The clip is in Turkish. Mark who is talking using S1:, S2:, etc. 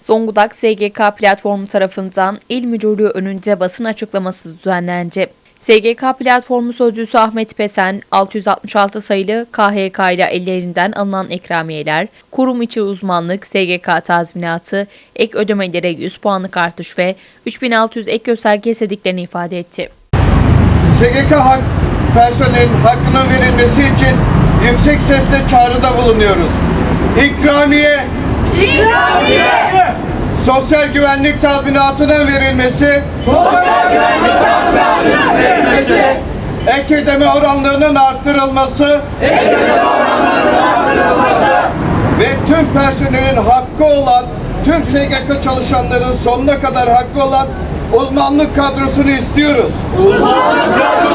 S1: Zonguldak SGK platformu tarafından İl Müdürlüğü önünde basın açıklaması düzenlendi. SGK platformu sözcüsü Ahmet Pesen, 666 sayılı KHK ile ellerinden alınan ikramiyeler, kurum içi uzmanlık, SGK tazminatı, ek ödemelere 100 puanlık artış ve 3600 ek gösterge istediklerini ifade etti.
S2: SGK personelin hakkının verilmesi için yüksek sesle çağrıda bulunuyoruz. İkramiye!
S3: İkramiye!
S2: Sosyal güvenlik tazminatının verilmesi, ek ödeme oranlarının arttırılması, ve tüm personelin hakkı olan, tüm SGK çalışanların sonuna kadar hakkı olan uzmanlık kadrosunu istiyoruz.
S3: Uzmanlık kadrosunu